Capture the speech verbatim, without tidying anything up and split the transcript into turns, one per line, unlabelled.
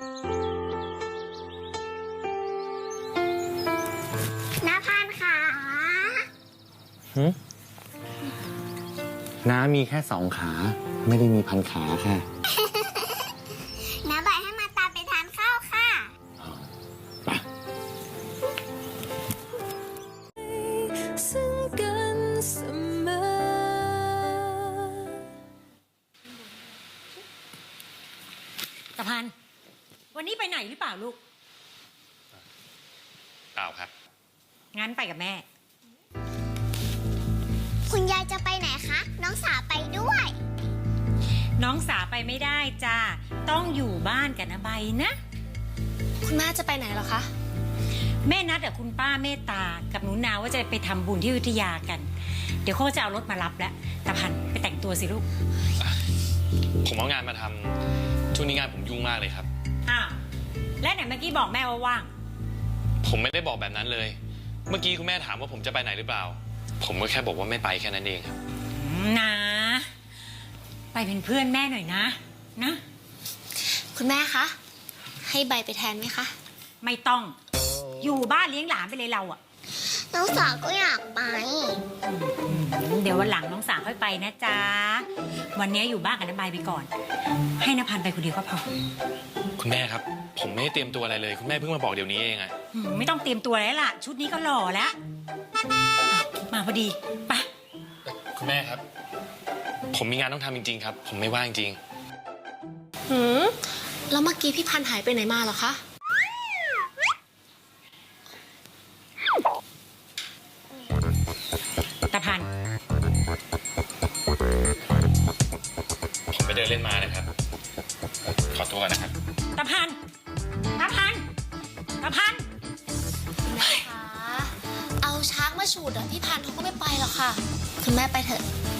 น้าพันขา
หืมน้ามีแค่สองขา ไม่ได้มีพันขาค่ะ
น้าบอกให้มาตามไปทานข้าวค่ะ
ไป
ซึ่งกันเสมอตะพันวันนี้ไปไหนหรือเปล่าลูก
เปล่าครับ
งั้นไปกับแม่
คุณยายจะไปไหนคะน้องสาวไปด้วย
น้องสาไปไม่ได้จ้าต้องอยู่บ้านกับนาใบนะ
คุณแม่จะไปไหนเหรอคะ
แม่นัดกับคุณป้าเมตตากับหนูนาว่าจะไปทำบุญที่อยุธยากันเดี๋ยวเขาจะเอารถมารับแล้วตะพันไปแต่งตัวสิลูก
ผมเอางานมาทำช่วงนี้งานผมยุ่งมากเลยครับ
อ้าวและไหนเมื่อกี้บอกแม่ว่าว่าง
ผมไม่ได้บอกแบบนั้นเลยเมื่อกี้คุณแม่ถามว่าผมจะไปไหนหรือเปล่าผมก็แค่บอกว่าไม่ไปแค่นั้นเองครับ
นะไปเป็นเพื่อนแม่หน่อยนะนะ
คุณแม่คะให้ใบไปแทนไหมคะ
ไม่ต้องอยู่บ้านเลี้ยงหลานไปเลยเราอะ
น้องสาวก็อยากไป
เดี๋ยววันหลังน้องสาวค่อยไปนะจ๊ะวันนี้อยู่บ้านกับน้าใบไปก่อนให้นภันไปคนเดียวก็พอ
คุณแม่ครับผมไม่ได้เตรียมตัวอะไรเลยคุณแม่เพิ่งมาบอกเดี๋ยวนี้เองอะ
ไม่ต้องเตรียมตัวแล้วล่ะชุดนี้ก็หล่อแล้วมาพอดีไป
คุณแม่ครับผมมีงานต้องทำจริงๆครับผมไม่ว่างจริง
หืมแล้วเมื่อกี้พี่พันหายไปไหนมาเหรอคะ
ตะพัน
ผมไปเดินเล่นมานะครับขอตัวก่อนนะครับ
ตะพันตะพันตะพัน
คุณแม่คะเอาช้างมาฉูดอ่ะพี่พันเขาก็ไม่ไปหรอกค่ะคุณแม่ไปเถอะ